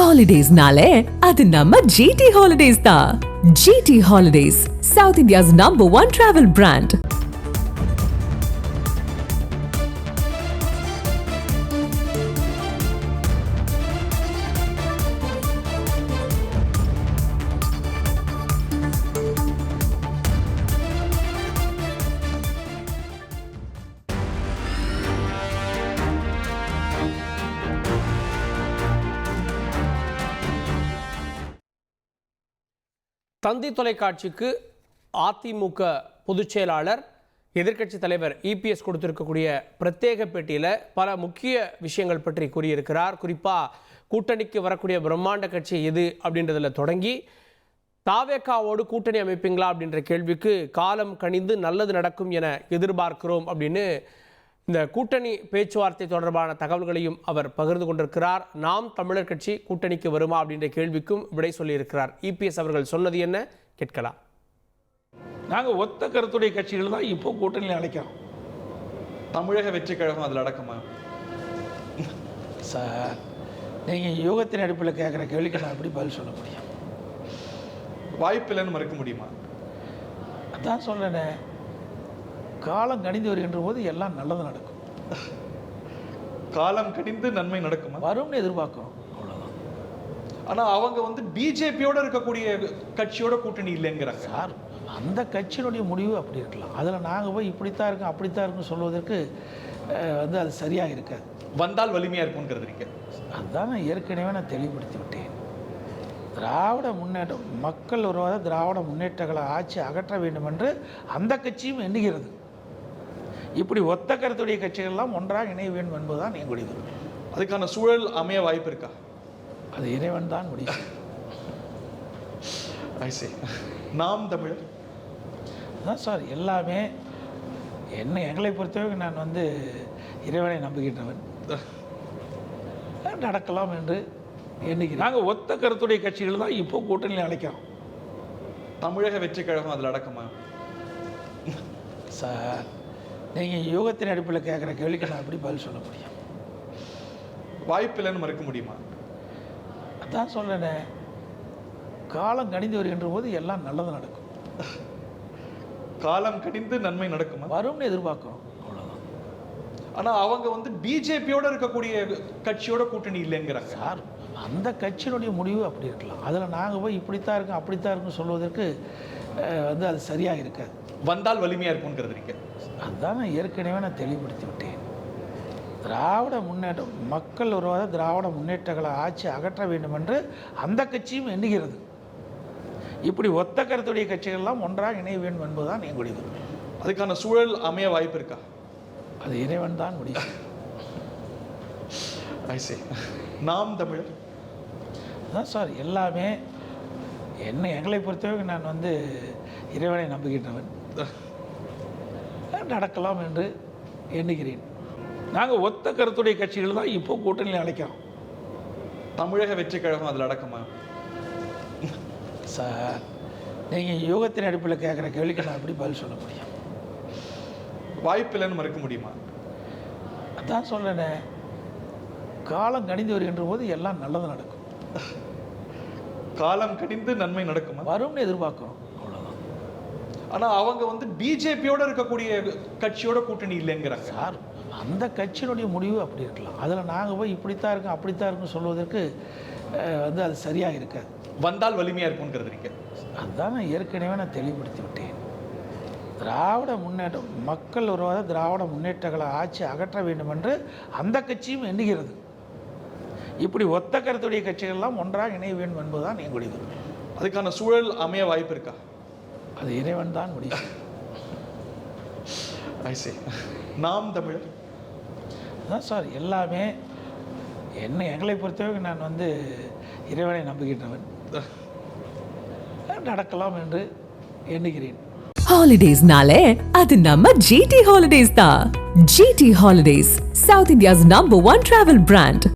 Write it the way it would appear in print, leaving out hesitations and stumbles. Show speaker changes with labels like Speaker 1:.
Speaker 1: Holidays-nale, அது நம்ம GT Holidays தான். GT Holidays, South India's #1 travel brand.
Speaker 2: தந்தி தொலைக்காட்சிக்கு அதிமுக பொதுச் செயலாளர் எதிர்க்கட்சி தலைவர் இபிஎஸ் கொடுத்திருக்கக்கூடிய பிரத்யேக பேட்டியில் பல முக்கிய விஷயங்கள் பற்றி கூறியிருக்கிறார். குறிப்பாக கூட்டணிக்கு வரக்கூடிய பிரம்மாண்ட கட்சி எது அப்படின்றதுல தொடங்கி தாவேகாவோடு கூட்டணி அமைப்பீங்களா அப்படின்ற கேள்விக்கு காலம் கனிந்து நல்லது நடக்கும் என எதிர்பார்க்கிறோம் அப்படின்னு இந்த கூட்டணி பேச்சுவார்த்தை தொடர்பான தகவல்களையும் அவர் பகிர்ந்து கொண்டிருக்கிறார். நாம் தமிழர் கட்சி கூட்டணிக்கு வருமா அப்படின்ற கேள்விக்கும் விடை சொல்லியிருக்கிறார். இபிஎஸ் அவர்கள் சொன்னது என்ன கேட்கலாம்.
Speaker 3: நாங்கள் ஒத்த கருத்துடைய கட்சிகள் தான் இப்போ கூட்டணியில் அழைக்கிறோம்.
Speaker 4: தமிழக வெற்றி கழகம் அதில் அடக்கமா
Speaker 3: சார்? நீங்கள் யூகத்தின் அடிப்பில் கேட்குற கேள்விக்கு நான் எப்படி பதில் சொல்ல முடியும்?
Speaker 4: வாய்ப்பில்லைன்னு மறுக்க முடியுமா?
Speaker 3: அதான் சொல்லேனே, காலம் கணிந்து வருகின்ற போது எல்லாம் நல்லது நடக்கும்.
Speaker 4: காலம் கணிந்து நன்மை நடக்குமா?
Speaker 3: வரும்னு எதிர்பார்க்கிறோம், அவ்வளோதான்.
Speaker 4: ஆனால் அவங்க பிஜேபியோட இருக்கக்கூடிய கட்சியோட கூட்டணி இல்லைங்கிறாங்க
Speaker 3: சார். அந்த கட்சியினுடைய முடிவு அப்படி இருக்கலாம். அதில் நாங்கள் போய் இப்படித்தான் இருக்கும் அப்படித்தான் இருக்குன்னு சொல்வதற்கு அது சரியாக இருக்காது.
Speaker 4: வந்தால் வலிமையாக இருக்கும்ங்கிறது இருக்கு.
Speaker 3: அதுதான் நான் ஏற்கனவே தெளிவுபடுத்தி விட்டேன். திராவிட முன்னேற்றம், மக்கள் உருவாத திராவிட முன்னேற்றங்களை ஆட்சி அகற்ற வேண்டும் என்று அந்த கட்சியும் எண்ணுகிறது. இப்படி ஒத்த கருத்துடைய கட்சிகள்லாம் ஒன்றாக இணைய வேண்டும் என்பதுதான் எங்களுடைய விருப்பம்.
Speaker 4: அதுக்கான சூழல் அமைய வாய்ப்பு இருக்கா?
Speaker 3: அது இறைவன் தான் முடியும்.
Speaker 4: நாம் தமிழர்
Speaker 3: அதான் சார், எல்லாமே எங்களை பொறுத்தவரை நான் இறைவனை நம்புகின்றவன். நடக்கலாம் என்று எண்ணிக்கிறேன். நாங்கள் ஒத்த கருத்துடைய கட்சிகள் தான் இப்போ கூட்டணியில் அழைக்கிறோம்.
Speaker 4: தமிழக வெற்றி கழகம் அதில் அடக்கமா
Speaker 3: சார்? நீங்கள் யூகத்தின் அடிப்பில் கேட்குற கேள்விக்கு நான் எப்படி பதில் சொல்ல முடியும்?
Speaker 4: வாய்ப்பில்லைன்னு மறுக்க முடியுமா?
Speaker 3: அதான் சொல்லேனே, காலம் கணிந்து வருகின்ற போது எல்லாம் நல்லது நடக்கும்.
Speaker 4: காலம் கணிந்து நன்மை நடக்குமா?
Speaker 3: வரும்னு எதிர்பார்க்கிறோம், அவ்வளோதான்.
Speaker 4: ஆனால் அவங்க பிஜேபியோட இருக்கக்கூடிய கட்சியோட கூட்டணி இல்லைங்கிறாங்க
Speaker 3: சார். அந்த கட்சியினுடைய முடிவு அப்படி இருக்கலாம். அதில் நாங்கள் போய் இப்படித்தான் இருக்கும் அப்படித்தான் இருக்குன்னு சொல்வதற்கு அது சரியாக இருக்காது.
Speaker 4: வந்தால் வலிமையாக இருக்கும்ங்கிறது இருக்கு.
Speaker 3: அதுதான் நான் ஏற்கனவே தெளிவுபடுத்தி விட்டேன். திராவிட முன்னேற்றம், மக்கள் உருவாத திராவிட முன்னேற்றங்களை ஆட்சி அகற்ற வேண்டும் என்று அந்த கட்சியும் எண்ணுகிறது. இப்படி ஒத்த கருத்துடைய கட்சிகள்லாம் ஒன்றாக இணைய வேண்டும் என்பதுதான் எங்களுடைய விருப்பம்.
Speaker 4: அதுக்கான சூழல் அமைய வாய்ப்பு இருக்கா?
Speaker 3: அது இறைவன் தான் முடியும்.
Speaker 4: நாம் தமிழர்
Speaker 3: அதான் சார், எல்லாமே எங்களை பொறுத்தவரை நான் இறைவனை நம்புகின்றவன். நடக்கலாம் என்று எண்ணுகிறேன். நாங்கள் ஒத்த கருத்துடைய கட்சிகள் தான் இப்போ கூட்டணியில் அழைக்கிறோம்.
Speaker 4: தமிழக வெற்றி கழகம் அதில் அடக்கமா
Speaker 3: சார்? நீங்கள் யூகத்தின் அடிப்பில் கேட்குற கேள்விக்கு நான் எப்படி பதில் சொல்ல முடியும்?
Speaker 4: வாய்ப்பில்லைன்னு மறுக்க முடியுமா?
Speaker 3: அதான் சொல்லேனே, காலம் கணிந்து வருகின்ற போது எல்லாம் நல்லது நடக்கும்.
Speaker 4: காலம் கணிந்து நன்மை நடக்குமா?
Speaker 3: வரும்னு எதிர்பார்க்கிறோம், அவ்வளோதான்.
Speaker 4: ஆனால் அவங்க பிஜேபியோட இருக்கக்கூடிய கட்சியோட கூட்டணி இல்லைங்கிறாங்க
Speaker 3: சார். அந்த கட்சியினுடைய முடிவு அப்படி இருக்கலாம். அதில் நாங்கள் போய் இப்படித்தான் இருக்கும் அப்படித்தான் இருக்குன்னு சொல்வதற்கு அது சரியாக இருக்காது.
Speaker 4: வந்தால் வலிமையாக இருக்கும்ங்கிறது இருக்கு.
Speaker 3: அதுதான் நான் ஏற்கனவே தெளிவுபடுத்தி விட்டேன். திராவிட முன்னேற்றம், மக்கள் உருவாத திராவிட முன்னேற்றங்களை ஆட்சி அகற்ற வேண்டும் என்று அந்த கட்சியும் எண்ணுகிறது. இப்படி ஒத்த கருத்துடைய கட்சிகள்லாம் ஒன்றாக இணைய வேண்டும் என்பதுதான் எங்களுடைய விருப்பம்.
Speaker 4: அதுக்கான சூழல் அமைய வாய்ப்பு இருக்கா?
Speaker 3: அது இறைவன் தான் முடியும்.
Speaker 4: நாம் தமிழர்
Speaker 3: அதான் சார், எல்லாமே எங்களை பொறுத்தவரை நான் இறைவனை நம்புகின்றவன். நடக்கலாம் என்று எண்ணுகிறேன்.
Speaker 1: Holidays-nale, அது நம்ம GT Holidays தான். GT Holidays, South India's #1 travel brand.